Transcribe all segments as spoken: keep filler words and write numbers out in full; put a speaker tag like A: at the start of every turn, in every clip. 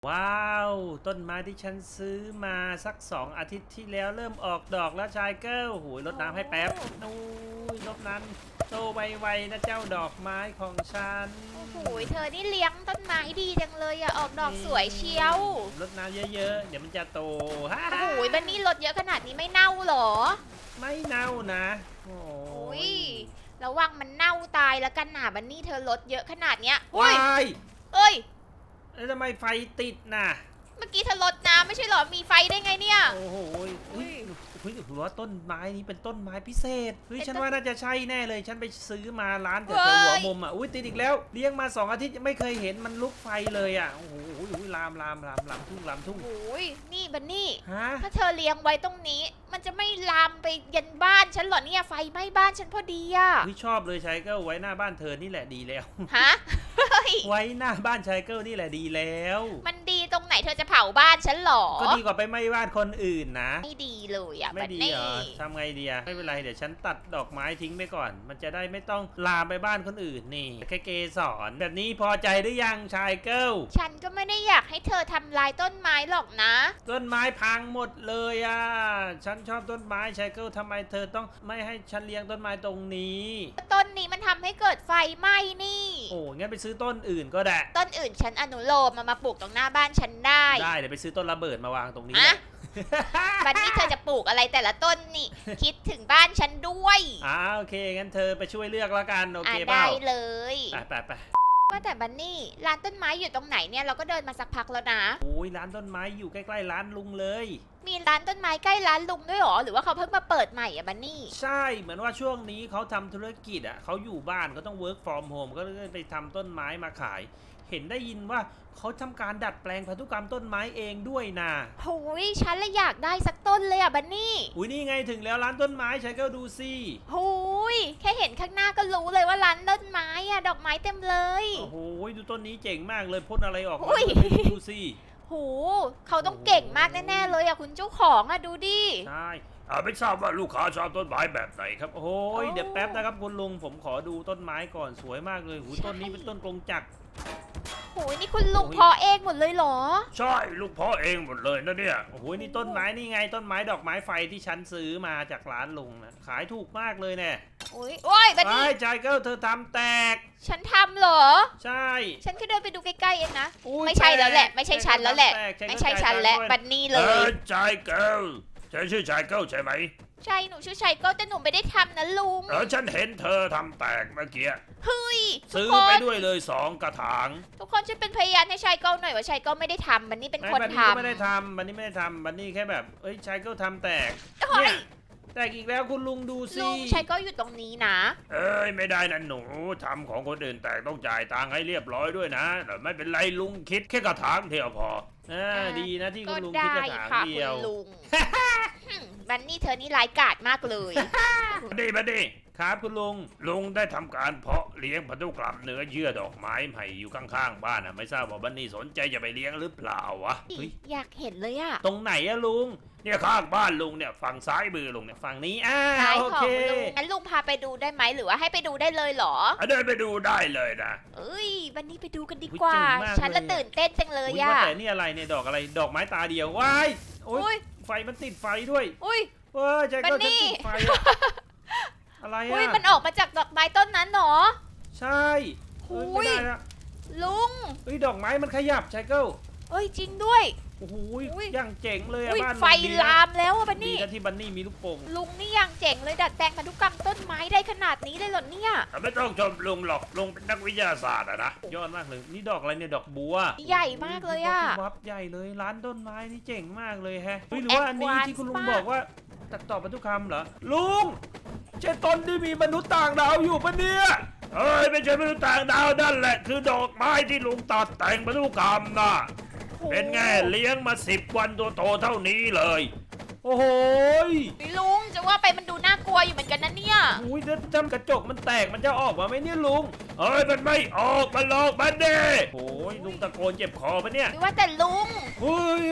A: ว้าวต้นไม้ที่ฉันซื้อมาสักสองอาทิตย์ที่แล้วเริ่มออกดอกแล้วชายเกิลหูยรดน้ำให้แป๊บนู้ยรดน้ำโตไวๆนะเจ้าดอกไม้ของฉัน
B: โอ้โหเธอนี่เลี้ยงต้นไม้ดีจังเลยอะออกดอกสวยเชียว
A: รดน้ำเยอะๆเดี๋ยวมันจะโตฮ่า
B: โอ้โหบันนี่รถเยอะขนาดนี้ไม่เน่าเหรอ
A: ไม่เน่านะโอ้
B: โอ้
A: ย
B: ยระวังมันเน่าตายแล้วกันหนาบันนี่เธอรถเยอะขนาดเนี้ย
A: ว้
B: เฮ้ย
A: าย
B: เอ้ย
A: แล้วทำไมไฟติดน่ะ
B: เมื่อกี้เธอรถน้ำไม่ใช่เหรอมีไฟได้ไงเนี่ย
A: โอ้โหย
B: อุ้
A: เฮ้ย
B: ย
A: เฮ้ยถือว่าต้นไม้นี้เป็นต้นไม้พิเศษเฮ้ย
B: เป็น
A: ฉัน
B: ต้น
A: ว่าน่าจะใช่แน่เลย ฉันไปซื้อมาร้านแต่
B: เฮ้
A: หัวย มุมอ่ะอุ้ยติดอีกแล้วเลี้ยงมาสองอาทิตย์ยังไม่เคยเห็นมันลุกไฟเลยอ่ะโอ้โหอุ้ยลามลามลามลามทุ่งลามทุ่ง
B: โอ้ยนี่บันนี่
A: ฮะ
B: ถ้าเธอเลี้ยงไว้ตรงนี้ มันจะไม่ลามไปยันบ้านฉันเหรอเนี่ยไฟไหม้บ้านฉันพอดีอะ
A: อุ้ยชอบเลยชายเกิลไว้หน้าบ้านเธอนี่แหละดีแล้ว
B: ฮะเฮ้ย
A: ไว้หน้าบ้านชายเกิลนี่แหละดีแล้ว
B: มันดีตรงไหนเธอจะเผาบ้านฉันเหรอ
A: ก็ดีกว่าไปไหม้บ้านคนอื่นนะ
B: ไม่ดีเลยอะ
A: ไม่
B: บัน
A: ดี
B: นี่
A: เหรอทำไงดีอะไม่เป็นไรเดี๋ยวฉันตัดดอกไม้ทิ้งไปก่อน มันจะได้ไม่ต้องลามไปบ้านคนอื่นนี่แค่เกสรแบบนี้พอใจหรือยังชายเกิล
B: ฉันก็ไม่ได้อยากให้เธอทำลายต้นไม้หรอกนะ
A: ต้นไม้พังหมดเลยอ่ะ ฉันชอบต้นไม้ชายเกิลทำไมเธอต้องไม่ให้ฉันเลี้ยงต้นไม้ตรงนี้
B: ต้นนี้มันทำให้เกิดไฟไหม้นี่
A: โอ้งั้นไปซื้อต้นอื่นก็ได้
B: ต้นอื่นฉันอนุโลมมามาปลูกตรงหน้าบ้านฉันได้
A: ได้เดี๋ยวไปซื้อต้นระเบิดมาวางตรงนี้
B: อะ บันนี้เธอจะปลูกอะไรแต่ละต้นนี่ คิดถึงบ้านฉันด้วย
A: อ่าโอเคงั้นเธอไปช่วยเลือกแล้วกันโอ
B: อ่ะ
A: เคเปล่า
B: ได้เลย
A: ไปไปไป
B: ว่าแต่บันนี่ร้านต้นไม้อยู่ตรงไหนเนี่ยเราก็เดินมาสักพักแล้วนะ
A: โอ้ยร้านต้นไม้อยู่ใกล้ๆร้านลุงเลย
B: มีร้านต้นไม้ใกล้ร้านลุงด้วยหรอหรือว่าเขาเพิ่งมาเปิดใหม่อะบันนี่
A: ใช่เหมือนว่าช่วงนี้เขาทำธุรกิจอ่ะเขาอยู่บ้านเขาต้อง work from home ก็เลยไปทำต้นไม้มาขาย เห็นได้ยินว่าเขาทำการดัดแปลงพันธุกรรมต้นไม้เองด้วยนะ
B: โอ้ยฉันเลยอยากได้สักต้นเลยอะบันนี่
A: อุ้ยนี่ไงถึงแล้วร้านต้นไม้ใช้ก็ดูสิ
B: โอ้ยแค่เห็นข้างหน้าก็รู้เลยว่าร้านต้นไม้อะดอกไม้เต็มเลย
A: โอ้โหดูต้นนี้เจ๋งมากเลยพ่นอะไรออกมา
B: อุ้ย
A: ดูสิ
B: โหเขาต้องเก่งมากแน่ๆเลยอะคุณเจ้าของอะดูดิ
A: ใช่อ่าไม่ทราบว่าลูกค้าชอบต้นไม้แบบไหนครับโอ้ย
B: โอ้
A: เดี๋ยวแป๊บนะครับคุณลุงผมขอดูต้นไม้ก่อนสวยมากเลยหู
B: ใช่
A: ต้นนี้เป็นต้นกรงจักร
B: โหนี่คุณลุง
A: โอ้ย
B: เพอเองหมดเลยเหรอ
A: ใช่ลูกพ่อเองหมดเลยนะเนี่ยโอ้โหนี่ต้นไม้นี่ไงต้นไม้ดอกไม้ไฟที่ฉันซื้อมาจากร้านลุงนะขายถูกมากเลยเนี่ย
B: โอ้ยโอ้ยบัน
A: ไอ้
B: นี่
A: ใจเกิลเธอทำแตก
B: ฉันทำเหรอ
A: ใช่
B: ฉันแค่เดินไปดูใกล้ๆเองนะ
A: อุ๊ย
B: ไม่ใช่แล้วแหละ
A: ตก
B: ไม่ใช่ฉันแล้วแหละ
A: ตกตก
B: ไม่ใช่ฉันและ
A: ตก
B: บันนี่เล
A: เอย อใจเกิลเธอชื่อใจเกิลใช่ไหม
B: ใช่หนูชื่อชัยก็แต่หนูไม่ได้ทำนะลุง
A: เออฉันเห็นเธอทำแตกเมื่อกี้
B: เฮ้ยทุก
A: ซื้อ
B: ค
A: ไป
B: น
A: ด้วยเลยสองกระถาง
B: ทุกคนช่วยเป็นพยานให้ชัยก็หน่อยว่าชัยก็ไม่ได้ทำบันนี่เป็นคน
A: บัน
B: ท
A: นี่ก็ไม่ได้ทำบันนี่ไม่ได้ทำบันนี่แค่แบบเอ้ยชายเกิลทำแตก
B: ำเฮ้
A: เนี่ย ยแตกอีกแล้วคุณลุงดูสิ
B: ลุงชัยก็อยู่ตรงนี้นะ
A: เอ้ยไม่ได้นะหนูทำของคนอื่นแตกต้องจ่ายตังค์ให้เรียบร้อยด้วยนะแต่ไม่เป็นไรลุงคิดแค่กระถางเดียวพออ่าดีนะที่
B: ก็
A: คุณลุงคิด
B: ได้
A: กระถาง
B: ค่ะ
A: เดี
B: คุ
A: ย
B: ณ
A: ว
B: ลุงหึ่มบันนี่เธอนี่ร้ายกาจมากเลย
A: มาดีมาดีครับคุณลุงลุงได้ทำการเพาะเลี้ยงพันธุกรรมเนื้อเยื่อดอกไม้ใหม่อยู่ข้างๆบ้านอ่ะไม่ทราบว่าบันนี่สนใจจะไปเลี้ยงหรือเปล่าวะเฮ้ย
B: อยากเห็นเลยอะ
A: ตรงไหนอะลุงเนี่ยข้างบ้านลุงเนี่ยฝั่งซ้ายมือลุงเนี่ยฝั่งนี้อ่า
B: ซ้าย
A: โอ
B: ของ
A: เค
B: ลุงงั้นลุงพาไปดูได้ไหมหรือว่าให้ไปดูได้เลยเหรอ
A: อ่ะเดินไปดูได้เลยนะ
B: เอ้ยวันนี้ไปดูกันดี
A: อุ๊ย
B: กว่า
A: เจ๋งมาก
B: ฉันละ
A: เลยอะ
B: ตื่นเต้นจังเลย
A: อุ๊ย
B: อะ
A: ว่าแต่นี่อะไรเนี่ยดอกอะไรดอกไม้ตาเดียวว้ายโอ๊
B: อุ้
A: ย
B: ย
A: ไฟมันติดไฟด้วย
B: อุ้ย
A: เว้ยใจก็
B: บันนี่
A: จะติดไฟอะอะไร
B: อุ้ย
A: อะ
B: มันออกมาจากดอกไม้ต้นนั้นเหรอ
A: ใช่เอ้ย
B: อุ๊
A: ไม่
B: ย
A: ได้ละ
B: ลุง
A: เอ้ยดอกไม้มันขยับชายเกิล
B: เอ้ยจริงด้วย
A: โอ้โห
B: อุ๊ย
A: ยังเจ๋งเลยอะ
B: อุ้ย
A: บ้าน
B: ไฟ
A: ลุงดีนะ
B: ลามแล้วอะบัน
A: ดี
B: นี่
A: นะที่บันนี่มีลูกโป่ง
B: ลุงนี่ยังเจ๋งเลยดัดแปลงพันธุกรรมต้นไม้ได้ขนาดนี้เลยเหรอเนี่ย
A: อ่ะไม่ต้องชมลุงหรอกลุงเป็นนักวิทยาศาสตร์อะนะยอดมากเลยนี่ดอกอะไรเนี่ยดอกบัว
B: ใหญ่มากเลยอะ
A: วับใหญ่เลยร้านต้นไม้นี่เจ๋งมากเลยแฮะเฮ้ยหรือว่าอันนี้
B: Advance
A: ที่คุณลุง
B: มาก
A: บอกว่าตัดต่อพันธุกรรมเหรอลุงใช่ต้นที่มีมนุษย์ต่างดาวอยู่ปะเนี่ยเอ้ยไม่ใช่มนุษย์ต่างดาวนั่นแหละคือดอกไม้ที่ลุงตัดแต่งพันธุกรรมนะเป็นไงเลี้ยงมาสิบวันตัวโตเท่านี้เลย โอ้โหย
B: ลุงจะว่าไปมันดูน่ากลัวอยู่เหมือนกันนะเนี่ย
A: อุ้ยถ้าจำกระจกมันแตกมันจะออกมาไหมเนี่ยลุงเอ้ยมันไม่ออกมันหลอกมันเด้โอ้ยลุงตะโกนเจ็บคอปะเนี่ย
B: หรือว่าแต่ลุง
A: เฮ้ย
B: โอ้ย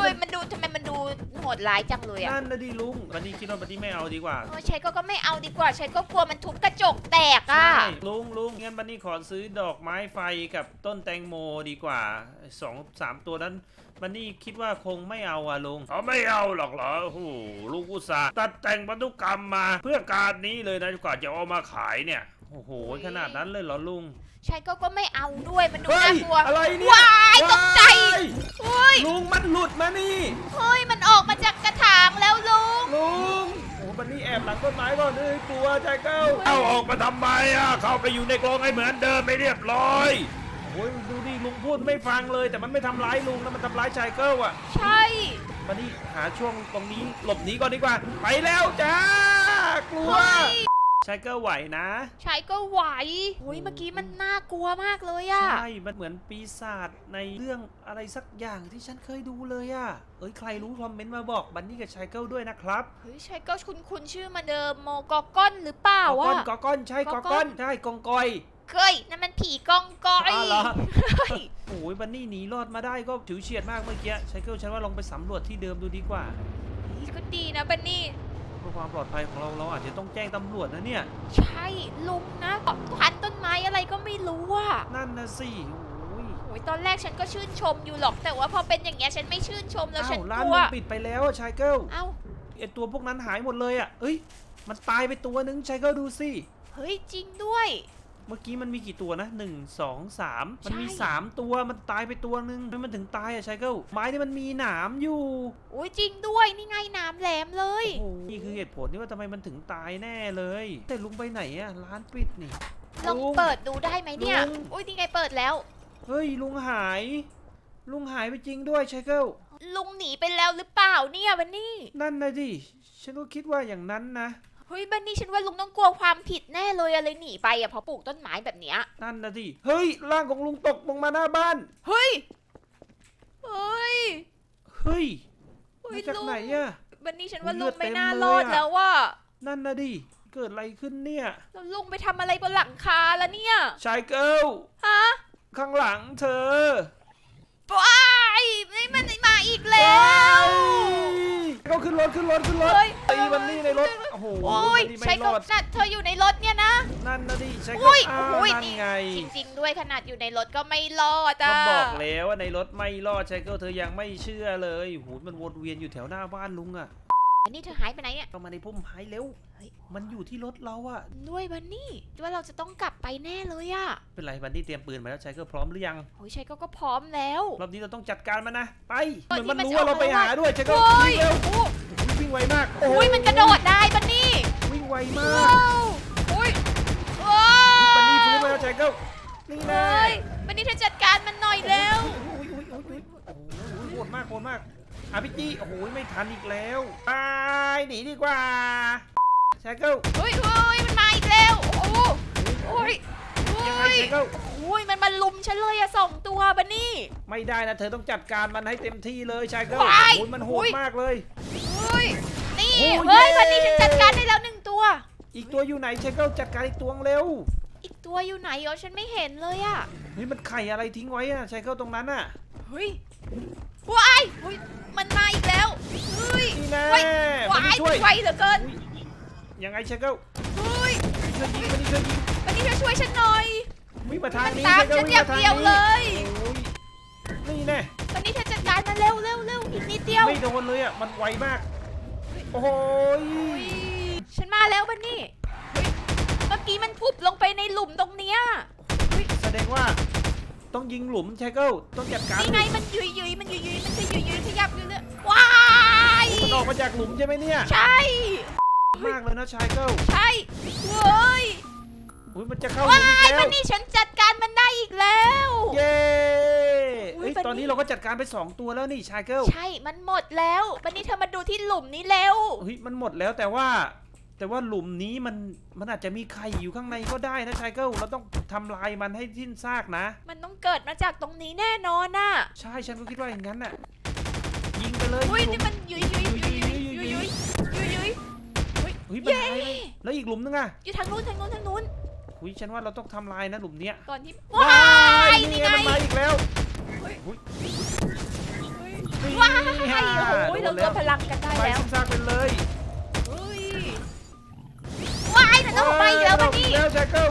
B: ยมันดูทำไมมันดูโหดร้ายจังเลยอะ
A: นั่นนะดิลุงบันนี่คิดว่าบันนี่ไม่เอาดีกว่า
B: เออใช้ก็ก็ไม่เอาดีกว่าใช้ก็กลัวมันทุบกระจกแตกอะ
A: ใช่ลุงลุงงั้นบันนี่ขอซื้อดอกไม้ไฟกับต้นแตงโมดีกว่าสองสามตัวนั้นบันนี่คิดว่าคงไม่เอาอะลุงเขาไม่เอาหรอกเหรอโอ้โหลุงอุตส่าห์ตัดแต่งบรรทุกรรมมาเพื่อการนี้เลยนะกว่าจะเอามาขายเนี่ยโอ้โหขนาดนั้นเลยเหรอลุง
B: ใช้ก็ก็ไม่เอาด้วยมันดู
A: เฮ้
B: น่าย กลัว
A: อะไรเนี่ย
B: ว้ายตกใจเฮ้ย
A: ลุงมันหลุดมานี่
B: เฮ้ยมันออกมาจากกระถางแล้วลุง
A: ลุงโอ้บันนี่แอบหลังต้นไม้ก่อนเลยกลัวใจเก้าเอาออกมาทำไมอ่ะเข้าไปอยู่ในกรงให้เหมือนเดิมไม่เรียบร้อยโอ้ยดูดิลุงพูดไม่ฟังเลยแต่มันไม่ทำร้ายลุงนะมันทำร้ายชายเกิลอ่ะ
B: ใช่
A: บันนี่หาช่วงตรงนี้หลบหนีก่อนดีกว่าไปแล้วจ้ากลัว
B: เฮ้ย
A: ชายเกิลไหวนะ
B: ใช้ก็ไหวเฮ้ยเมื่อกี้มันน่ากลัวมากเลยอะ
A: ใช่มันเหมือนปีศาจในเรื่องอะไรสักอย่างที่ฉันเคยดูเลยอ่ะเอ้ยใครรู้คอมเมนต์มาบอกบันนี่กับชายเกิลด้วยนะครับ
B: เฮ้ยใช้ก็คุณคุณชื่อมาเดิมโมกอก้อนหรือเปล่าก
A: อก้อน
B: อะ
A: กอก้อนใช่ก
B: ก
A: อ
B: อก้
A: ก้อ
B: อน น
A: ใช่กองกอย
B: เฮ้ยนั่นมันผีกองกอย
A: อ้าวเหรอ
B: เฮ้ย
A: โอ้ยบันนี่หนีรอดมาได้ก็ถือเฉียดมากเมื่อกี้ไชเกิลฉันว่าลองไปสำรวจที่เดิมดูดีกว่า
B: ก็ดีนะบันนี่
A: เพื่อความปลอดภัยของเราเราอาจจะต้องแจ้งตำรวจนะเนี่ย
B: ใช่ลุงนะพันต้นไม้อะไรก็ไม่รู้อะ
A: นั่นนะสิโอ้ย
B: โอ้ยตอนแรกฉันก็ชื่นชมอยู่หรอกแต่ว่าพอเป็นอย่างเงี้ยฉันไม่ชื่นชมแล้วฉัน
A: อ้าวร้าก น
B: ลัว
A: มันปิดไปแล้วอะไชเกิล
B: เอ้า
A: ไอตัวพวกนั้นหายหมดเลยอ่ะเอ้ยมันตายไปตัวนึงไชเกิลดูสิ
B: เฮ้ยจริงด้วย
A: เมื่อกี้มันมีกี่ตัวนะหนึ่งสองสามมันมี
B: ใช่
A: สามตัวมันตายไปตัวนึงทำไมมันถึงตายอะไชเกิลไม้นี่มันมีหนามอยู่
B: โอ้ยจริงด้วยนี่ไงน้ำแหลมเลย
A: โอ้โหนี่คือเหตุผลที่ว่าทำไมมันถึงตายแน่เลย แต่ลุงไปไหนอะร้านปิดนี่
B: ลอง
A: ลุง
B: เปิดดูได้ไหมเนี่ย
A: ลุง
B: โอ้ยนี่ไงเปิดแล้ว
A: เฮ้ยลุงหาย ลุงหายไปจริงด้วยไชเกิล
B: ลุงหนีไปแล้วหรือเปล่าเนี่ยบันนี่
A: นั่นนะดิฉันก็คิดว่าอย่างนั้นนะ
B: เฮ้ยบันนี่ฉันว่าลุงต้องกลัวความผิดแน่เลยอะเลยหนีไปอะเพราะปลูกต้นไม้แบบเนี้ย
A: นั่นนะดิเฮ้ยร่างของลุงตกลงมาหน้าบ้าน
B: เฮ้ยเฮ้ย
A: เฮ้ย
B: เฮ้
A: มาย จาก
B: ลุง
A: ไหนอะ
B: บันนี่ฉันว่า
A: เลื
B: ลุ
A: อด
B: งไม่
A: เต็ม
B: น่า
A: เลย
B: รอด
A: อะ
B: แล้วว่า
A: นั่นนะดิเกิดอะไรขึ้นเนี่ย
B: แล้วลุงไปทำอะไรบนหลังคาแล้วเนี่ย
A: ชายเกิล
B: ฮะ
A: ข้างหลังเธอ
B: ว้ายนี่มันมาอีกแล้ว
A: ก็ขึ้นรถขึ้นรถขึ้นรถ
B: เฮ้ย
A: ตีมันนี่ในรถโอ้โห
B: โอ้ย
A: มันนี่
B: ใช้
A: ไม่ร
B: ก็
A: อด
B: น่ะเธออยู่ในรถเนี่ยนะ
A: นั่นนะดิใช้
B: อุ้
A: ก็
B: ย
A: อ้าว
B: โอ้ย
A: นั่น
B: นี่
A: ไง
B: จริงๆด้วยขนาดอยู่ในรถก็ไม่รอด
A: ก็
B: อ่ะ
A: บอกแล้วว่าในรถไม่รอดใช้ก็เธอยังไม่เชื่อเลยโอ้โหมันวนเวียนอยู่แถวหน้าบ้านลุงอะ
B: อันนี้เธอหายไปไหนเนี่ย
A: เข้ามาในพุ่มไม้เร็ว
B: เฮ้ย
A: มันอยู่ที่รถเราอะ
B: ด้วยบันนี่ด้วยเราจะต้องกลับไปแน่เลยอ่ะ
A: เป็นไรบันนี่เตรียมปืนมาแล้วใช้ก็พร้อมหรือยัง
B: โอ้ยใช้ก็ก็พร้อมแล้ว
A: รอบนี้เราต้องจัดการมันนะไปเห
B: เออ
A: มือนมัน
B: นี่มัน
A: รู้ว่าเราไป
B: จะออก
A: หา
B: มา
A: ด้วยใช้ก็
B: โอ้ย
A: วิ่งเร็ว
B: โอ้
A: วิ่งไวมาก
B: โอ้ยมันกระโดดได้บันนี่
A: วิ่งไวมา
B: ว้าก วโอ้ยว้า
A: บันนี่
B: ว
A: ฟื้นมาแล้วใช้ก็นี่แน่
B: เฮ้ยบันนี่เธอจัดการมันหน่อยแล้ว
A: อุ้ยอุ้ยอุ้ยอุ้ยโอ้โหโหดมากโหดมากอาพิจีโอ้โหไม่ทันอีกแล้วตายหนีดีกว่าใช้ก็
B: เฮ้ยเฮ้ยมันมาอีกแล้วโอ้โหโอ้ยโอ้
A: ยังไง
B: ย
A: ใช้ก็
B: โอ้ยมันมาลุมฉันเลยอะสองตัวบันนี่
A: ไม่ได้นะเธอต้องจัดการมันให้เต็มที่เลยใช้ก็
B: ว้าย
A: โอ้ยมันโห
B: อุ้
A: ด
B: ย
A: มากเลย
B: เฮ้ยนี่
A: โอ้ย
B: เฮ้ย
A: เย้
B: บันนี่ฉันจัดการได้แล้วหนึ่งตัว
A: อีกตัวอยู่ไหนใช้ก็จัดการอีกตัวเร็ว
B: อีกตัวอยู่ไหนอ๋อฉันไม่เห็นเลยอะ
A: เฮ้ยมันไข่อะไรทิ้งไว้อะใช้ก็ตรงนั้นอะ
B: เฮ้ยว้ายเฮ้ยมันมาอีกแล้วเฮ้ย
A: นี่แน่
B: เฮ้ย
A: มั
B: ว้าน ย
A: ช่วย
B: มันไวเหลือเกิน
A: อุ๊ยยังไงใช้ก็
B: เฮ้ย
A: ช่วยยิงมันช่วยยิง
B: บันนี่เธอช่วยฉันหน่อย
A: วิ่งมาทางนี้
B: ตาม
A: ใช้ก็
B: ฉัน
A: วิ่
B: อย่าง
A: มาทาง
B: เดียว
A: นี้
B: เลย
A: โอ้ยนี่แน่
B: บันนี่เธอจัดการมาเร็วเร็วเร็วอีกนิดเดียว
A: ไม่โดนเลยอ่ะ มันไวมาก โอ้โหย
B: อุ๊ยฉันมาแล้วบันนี่เฮ้ยเมื่อกี้มันพุบลงไปในหลุมตรงเนี้ย
A: แสดงว่าต้องยิงหลุมไชเกิลต้องจัดการ
B: นี่ไงมันยุยยุยมันยุยยุยมันจะยุยยุยขยับอยู่เลยว้าย
A: มันออกมาจากหลุมใช่ไหมเนี่ย
B: ใช่
A: มากเลยนะไชเกิล
B: ใช่เว้ย
A: อุ้ยมันจะเข้าหลุ
B: ว้าม
A: อีก
B: ย
A: แล้
B: บั
A: วน
B: นี่ฉันจัดการมันได้อีกแล้ว
A: เย้
B: อุ๊ย
A: เฮ้ย
B: บันนี่
A: ตอนนี้เราก็จัดการไปสองตัวแล้วนี่ไชเกิล
B: ใช่มันหมดแล้วบันนี่เธอมาดูที่หลุมนี้เร็ว
A: เฮ้ยมันหมดแล้วแต่ว่า แต่ว่าหลุมนี้มันมันอาจจะมีไข่อยู่ข้างในก็ได้นะไชเกิลเราต้องทำลายมันให้สิ้นซากนะ
B: มันต้องเกิดมาจากตรงนี้แน่นอนน่ะ
A: ใช่ฉันก็คิดว่าอย่างนั้นน่ะยิงไปเลย
B: อุ้ย
A: หลุ
B: นี่
A: ม
B: มันยุยยุยยุยยุยยุยยุยยุยยุย
A: เฮ้ยมันหายเลยแล้วอีกหลุมนึงอ่ะ
B: อยู่ทางนู้นทางนู้นทางนู้น
A: อุ้ยฉันว่าเราต้องทำลายนะหลุมเนี้ย
B: ก่อนที่ว้าย
A: นี่
B: นี่
A: ไง
B: ไง
A: มันมาอีกแล้ว
B: เฮ้ย
A: อุ้ย
B: เฮ้ย
A: นี่
B: ว้ายใช่โอ้โห
A: โด
B: เรา
A: น
B: ร
A: แล้ว
B: วมพลังกันได้
A: ไป
B: แล้ว
A: ซิกซากไปเลย
B: เฮ้ยว้ายมันต้องไปอีกแล้วบันนี่
A: แล้วชายเกิล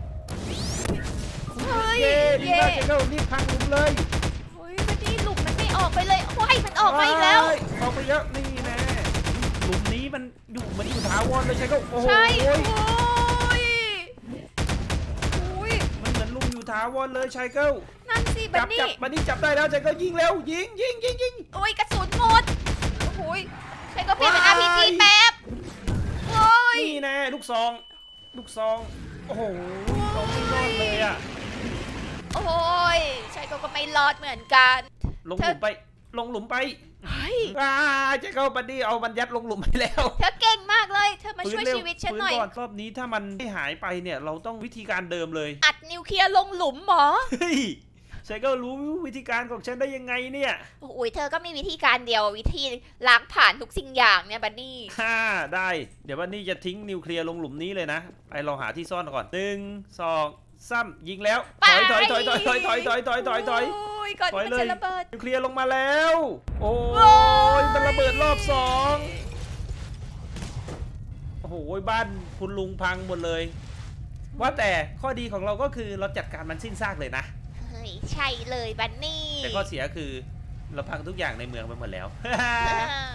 B: เฮ้ย
A: เย้ดี
B: เย้
A: มากชายเกิลรีบพังหลุมเลย
B: เฮ้ยบันนี่หลุมมันไม่ออกไปเลยว้ายมันออกมาอีกแล้ว
A: ว้ายออกไปเยอะนี่แน่หลุมนี้มันอยู่มันอยู่ถาวรเลยชายเกิลโอ้โห
B: ใช่โอ้ยโอ้ย
A: มันเหมือนลุมอยู่ถาวรเลยชายเกิล
B: นั่นสิบั
A: จั
B: น
A: บ
B: นี่
A: จับมันนี่จับได้แล้วชายเกิลยิงเร็วยิงยิงยิงยิง
B: โอ้ยกระสุนหมดโอ้ยใช่ก็เปลี่ยนเป็น อาร์ พี จี แป๊บโอ้ย
A: นี่แน่ลูกซองลูกซองโอ้โหซองไม่รอดเลยอะ
B: โอ้ยใช่ก็ก็ไม่รอดเหมือนกัน
A: ลงหลุมไปลงหลุมไป
B: เฮ้ย
A: อ่าชายเกิลบัดดี้เอามันยัดลงหลุมไปแล้ว
B: เธอเก่งมากเลยเธอมาช่วย
A: ฟื้เร็
B: ชีวิตฉันหน่อย
A: ฟื้ก่รอบนี้ถ้ามันไม่หายไปเนี่ยเราต้องวิธีการเดิมเลย
B: อัดนิวเคลียร์ลงหลุมหมอ
A: เฮ้ยชายเกิลรู้วิธีการของฉันได้ยังไงเนี่ย
B: โอ้ยเธอก็มีวิธีการเดียววิธีล้างผ่านทุกสิ่งอย่างเนี่ยบันนี่
A: ฮ่าได้เดี๋ยวบัดดี้จะทิ้งนิวเคลียร์ลงหลุมนี้เลยนะไปลองหาที่ซ่อนก่อนหนึ่งสองซ้ำยิงแล้วถอยถอยถอยถอยถอยถอยถอยถอยถอยถอย
B: โอ้ยก่อน
A: ถอย
B: ที่
A: เล
B: มัน
A: ย
B: จะระเบิด
A: นิวเคลียร์ลงมาแล้ว โอ้
B: โอ้
A: ย
B: ย
A: มันระเบิดรอบสองโอ้โหบ้านคุณลุงพังหมดเลย ว่าแต่ข้อดีของเราก็คือเราจัดการมันสิ้นซากเลยนะ
B: เฮ้ยใช่เลยบันนี่
A: แต่ข้อเสียคือเราพังทุกอย่างในเมืองไปหมดแล้ว
B: อ่า